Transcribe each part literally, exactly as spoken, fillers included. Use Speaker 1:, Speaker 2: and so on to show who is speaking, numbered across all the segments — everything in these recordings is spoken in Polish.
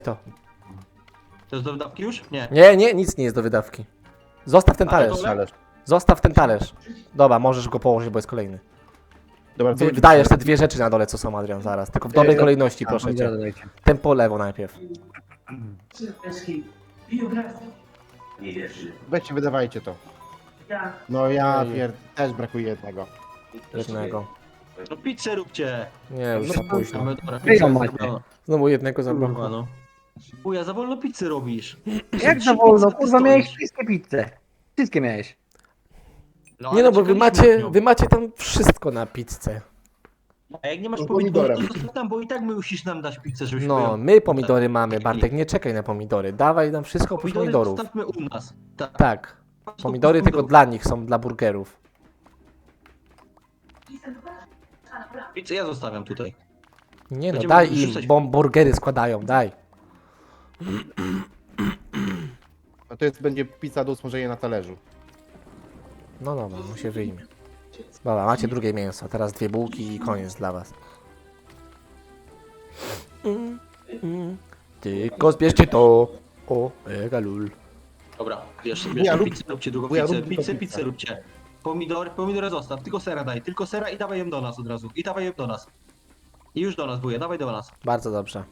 Speaker 1: To.
Speaker 2: To jest do wydawki już? Nie.
Speaker 1: Nie, nie, nic nie jest do wydawki. Zostaw ten
Speaker 2: A,
Speaker 1: talerz.
Speaker 2: to
Speaker 3: Talerz.
Speaker 1: Zostaw ten talerz. Dobra, możesz go położyć, bo jest kolejny.
Speaker 3: Dobra,
Speaker 1: Wy, wydajesz te dwie rzeczy na dole, co są, Adrian, zaraz. Tylko w dobrej
Speaker 3: Yy,
Speaker 1: kolejności,
Speaker 3: a,
Speaker 1: proszę
Speaker 4: Pomidora
Speaker 1: cię.
Speaker 4: dodajcie.
Speaker 1: Tempo lewo najpierw.
Speaker 5: biografii. Nie wierzy.
Speaker 3: Weźcie, wydawajcie to.
Speaker 5: Ja.
Speaker 3: No ja
Speaker 1: Ej.
Speaker 3: pier... też brakuje jednego.
Speaker 1: Jednego.
Speaker 2: No pizzę róbcie.
Speaker 1: Nie, już za późno.
Speaker 2: Mamy, dobra,
Speaker 4: Wy ją
Speaker 2: pizza
Speaker 4: macie.
Speaker 2: zrobiona.
Speaker 1: Znowu jednego
Speaker 2: Kurwa,
Speaker 1: zabrakło.
Speaker 2: no. Uja, za wolno pizzę robisz.
Speaker 4: Jak za wolno? Kurwa, miałeś wszystkie pizze. Wszystkie miałeś.
Speaker 2: No,
Speaker 1: Nie
Speaker 2: ale
Speaker 1: no, bo wy
Speaker 2: czekaliśmy
Speaker 1: macie,
Speaker 2: na nią.
Speaker 1: wy macie tam wszystko na pizzę.
Speaker 2: A jak nie masz
Speaker 3: No,
Speaker 2: pomidorów, to
Speaker 3: pomidorem.
Speaker 2: zostaw tam, bo i tak my musisz nam dać pizzę, żebyśmy
Speaker 1: No,
Speaker 2: ją...
Speaker 1: my pomidory mamy, Bartek, nie czekaj na pomidory. Dawaj nam wszystko oprócz
Speaker 2: Pomidory
Speaker 1: pomidorów.
Speaker 2: zostawmy u nas. Tak.
Speaker 1: Tak.
Speaker 2: Patrz,
Speaker 1: Pomidory
Speaker 2: to
Speaker 1: tylko
Speaker 2: pomidorów.
Speaker 1: dla nich są, dla burgerów.
Speaker 2: Pizzę ja zostawiam tutaj.
Speaker 1: Nie no,
Speaker 2: Będziemy
Speaker 1: daj im,
Speaker 2: wrzucać-
Speaker 1: bo burgery składają, daj.
Speaker 3: No to jest, będzie pizza do usmażenia na talerzu.
Speaker 1: No dobra, mu się wyjmie. Dobra, macie drugie mięso, teraz dwie bułki i koniec dla was. Mm, mm. Tylko zbierzcie to. O, mega lul.
Speaker 2: Dobra, bierz,
Speaker 3: Ja
Speaker 2: bierz
Speaker 3: rób-
Speaker 2: pizzę, róbcie drugą
Speaker 3: ja
Speaker 2: pizzę,
Speaker 3: rób
Speaker 2: pizzę,
Speaker 3: tylko
Speaker 2: pizzę
Speaker 3: pizzę.
Speaker 2: róbcie. Pomidory, pomidory zostaw, tylko sera daj, tylko sera i dawaj ją do nas od razu. I dawaj ją do nas. I już do nas, wuja, dawaj do nas.
Speaker 1: Bardzo dobrze.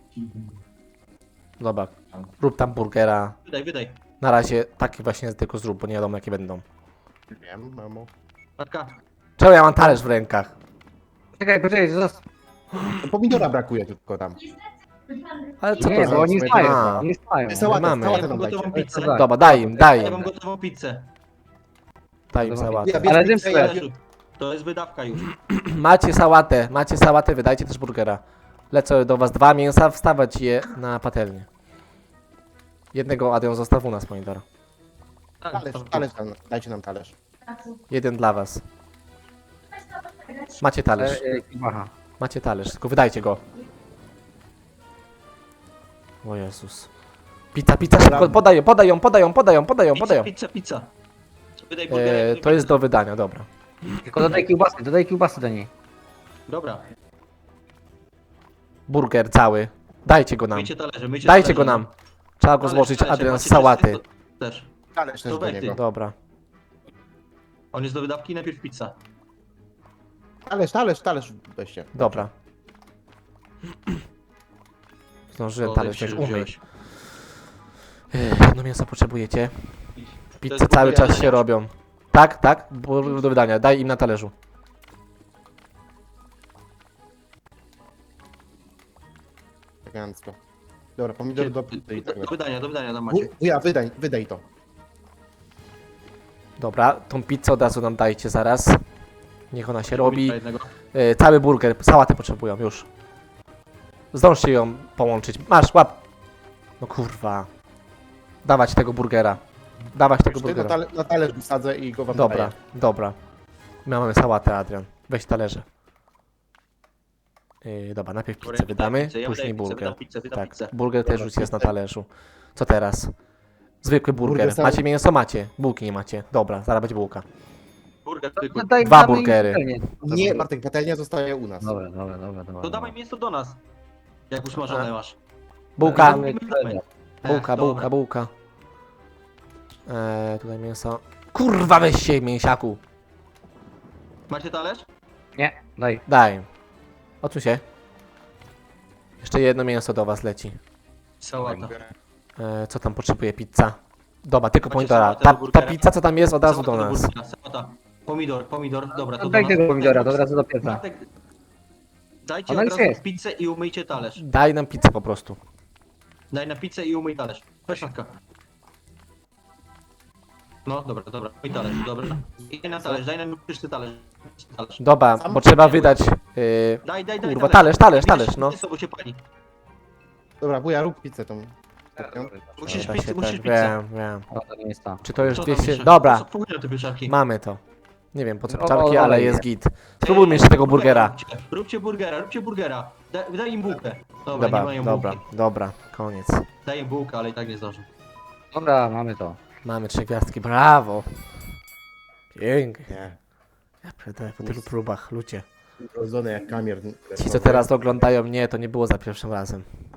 Speaker 1: Dobra, rób tam burgera.
Speaker 2: Wydaj, wydaj.
Speaker 1: Na razie taki właśnie tylko zrób, bo nie wiadomo jakie będą.
Speaker 3: Wiem, mamo.
Speaker 2: Matka,
Speaker 1: Czemu ja mam talerz w rękach?
Speaker 4: Czekaj, poczekaj, zostaw.
Speaker 3: No, pomidora brakuje tylko tam.
Speaker 1: Ale co
Speaker 4: Nie,
Speaker 1: to
Speaker 4: bo
Speaker 1: za...
Speaker 4: oni
Speaker 1: A,
Speaker 4: stają, oni stają.
Speaker 3: Sałatę,
Speaker 1: mamy.
Speaker 3: sałatę
Speaker 2: ja mam
Speaker 3: nam dajcie.
Speaker 2: gotową pizzę.
Speaker 4: Tak.
Speaker 1: Dobra, daj im, daj
Speaker 2: Ja
Speaker 1: im.
Speaker 2: mam gotową pizzę.
Speaker 1: Daj im
Speaker 4: Dobra.
Speaker 1: sałatę.
Speaker 3: Ja bierz
Speaker 4: Ale
Speaker 3: pizzę,
Speaker 4: tym
Speaker 3: ja-
Speaker 2: Talerzu. To jest wydawka już.
Speaker 1: Macie sałatę, macie sałatę, wydajcie też burgera. Lecę do was dwa mięsa, wstawać je na patelnię. Jednego Adrian zostaw u nas, pomidora.
Speaker 2: Tak,
Speaker 3: Talerz, talerz nam, dajcie nam talerz.
Speaker 1: Jeden dla was. Macie talerz,
Speaker 4: E, e, Kibacha.
Speaker 1: macie talerz, tylko wydajcie go. O Jezus. Pizza, pizza, szybko, podają, podają, podają, podają, podają,
Speaker 2: Pizza,
Speaker 1: podają.
Speaker 2: pizza, pizza. Wydaj burgera,
Speaker 1: E,
Speaker 2: wydaj
Speaker 1: to jest
Speaker 2: pizzę.
Speaker 1: do wydania, dobra.
Speaker 4: Tylko dodaj kiełbasy, dodaj kiełbasy do niej.
Speaker 2: Dobra,
Speaker 1: Burger cały. Dajcie go nam.
Speaker 2: myjcie talerze, myjcie
Speaker 1: Dajcie
Speaker 2: talerze,
Speaker 1: go nam. Trzeba go
Speaker 2: Talerz,
Speaker 1: złożyć,
Speaker 2: talerze,
Speaker 1: Adrian, z
Speaker 2: macie
Speaker 1: sałaty.
Speaker 2: też- Też.
Speaker 3: Talerz też
Speaker 2: To
Speaker 3: do
Speaker 2: weź ty.
Speaker 3: niego.
Speaker 1: Dobra.
Speaker 2: On jest do wydawki, najpierw pizza.
Speaker 3: Talerz, talerz, talerz weźcie.
Speaker 1: Dobra. Zdążyłem
Speaker 2: O,
Speaker 1: talerz
Speaker 2: się
Speaker 1: wziąć, umyj.
Speaker 2: wziąłeś.
Speaker 1: Ech, No mięso potrzebujecie. Pizze
Speaker 2: jest
Speaker 1: cały
Speaker 2: burger,
Speaker 1: czas się
Speaker 2: nie?
Speaker 1: robią. Tak, tak, bo do wydania. Daj im na talerzu.
Speaker 3: Elegancko. Dobra, pomidor do pizzy i tak
Speaker 2: Do
Speaker 3: dalej.
Speaker 2: wydania, do wydania tam macie.
Speaker 3: Ja, wydaj, wydaj to.
Speaker 1: Dobra, tą pizzę od razu nam dajcie zaraz. Niech ona się robi.
Speaker 2: Jednego.
Speaker 1: E, cały burger, sałatę potrzebują, już. Zdążcie ją połączyć. Masz, łap. No kurwa. Dawać tego burgera. Dawać tego
Speaker 3: Już ty na,
Speaker 1: burgera.
Speaker 3: tale, na talerz wsadzę i go wam
Speaker 1: Dobra,
Speaker 3: daję.
Speaker 1: dobra. My mamy sałatę, Adrian. Weź talerze. Yy, dobra, najpierw
Speaker 2: Dobra,
Speaker 1: pizzę
Speaker 2: ja
Speaker 1: wydamy,
Speaker 2: pizzę, ja
Speaker 1: później
Speaker 2: wydaję pizzę,
Speaker 1: burger.
Speaker 2: wydam pizzę, wydam
Speaker 1: Tak,
Speaker 2: pizzę.
Speaker 1: burger też
Speaker 3: Dobra,
Speaker 1: już jest na
Speaker 3: pizzę.
Speaker 1: talerzu. Co teraz? Zwykły burger.
Speaker 3: Burger sam-
Speaker 1: Macie mięso? Macie. Bułki nie macie. Dobra, zaraz będzie bułka.
Speaker 2: Burger zwykły.
Speaker 4: Dodaj-
Speaker 1: Dwa
Speaker 4: damy im
Speaker 1: burgery.
Speaker 4: patelnię.
Speaker 3: Nie, Bartek, patelnia zostaje u nas.
Speaker 4: Dobra, dobra, dobra, dobra.
Speaker 2: To dawaj mięso do nas. Jak usmażone masz.
Speaker 1: Bułka,
Speaker 4: Damy patelnię.
Speaker 1: bułka,
Speaker 2: Ech,
Speaker 1: bułka,
Speaker 2: dobra.
Speaker 1: bułka. Eee, tutaj mięso. Kurwa, weź się, mięsiaku.
Speaker 2: Macie talerz?
Speaker 4: Nie, daj.
Speaker 1: Daj. Odsuń się. Jeszcze jedno mięso do was leci.
Speaker 2: Sałata.
Speaker 1: Eee, co tam potrzebuje pizza? Dobra, tylko
Speaker 2: Macie
Speaker 1: pomidora.
Speaker 2: sałatę
Speaker 1: Ta,
Speaker 2: do
Speaker 1: ta
Speaker 2: burgera?
Speaker 1: pizza, co tam jest, od razu
Speaker 2: Sałata
Speaker 1: do nas.
Speaker 2: burgera, Sałata. Pomidor, pomidor, dobra, to do
Speaker 4: Daj
Speaker 2: nas.
Speaker 4: tego pomidora, to od razu do pieca.
Speaker 2: Bartek, dajcie
Speaker 4: Ona
Speaker 2: od
Speaker 4: już
Speaker 2: razu
Speaker 4: jest.
Speaker 2: pizzę i umyjcie talerz.
Speaker 1: Daj nam pizzę po prostu.
Speaker 2: Daj na pizzę i umyj talerz. Weź matka. No, dobra, dobra, umyj talerz, dobra. I na talerz, daj nam czysty talerz. talerz.
Speaker 1: Dobra,
Speaker 3: Sam
Speaker 1: bo trzeba
Speaker 2: nie
Speaker 1: wydać. Yy,
Speaker 2: Daj, daj, daj
Speaker 1: kurwa, talerz, talerz, talerz, no.
Speaker 2: Mięso, bo się pali.
Speaker 3: Dobra, wuja, rób pizzę tą. Taką.
Speaker 2: Musisz
Speaker 1: da
Speaker 2: pizzę,
Speaker 1: się
Speaker 2: musisz
Speaker 1: tak,
Speaker 2: pizzę.
Speaker 1: wiem, wiem.
Speaker 4: O, to nie jest ta.
Speaker 1: Czy to już
Speaker 2: Co tam
Speaker 1: dwieście...
Speaker 2: jeszcze?
Speaker 1: Dobra,
Speaker 2: Co wpłynie na te pieczarki?
Speaker 1: mamy to. Nie wiem po co
Speaker 4: O,
Speaker 1: pieczarki,
Speaker 4: o,
Speaker 1: ale
Speaker 4: olej
Speaker 1: jest
Speaker 4: nie.
Speaker 1: git. Spróbujmy jeszcze tego burgera.
Speaker 2: Róbcie, róbcie burgera, róbcie burgera. Daj, daj im bułkę. Dobra, nie
Speaker 1: Dobra,
Speaker 2: mają
Speaker 1: dobra,
Speaker 2: bułki.
Speaker 1: dobra, koniec.
Speaker 2: Daj im bułkę, ale i tak nie zdążą.
Speaker 4: Dobra, mamy to.
Speaker 1: Mamy trzy gwiazdki, brawo. Pięknie.
Speaker 3: Nie.
Speaker 1: Ja pierdolę, po tylu próbach, ludzie.
Speaker 3: Rodzone jak kamier.
Speaker 1: Ci co teraz oglądają mnie, to nie było za pierwszym razem.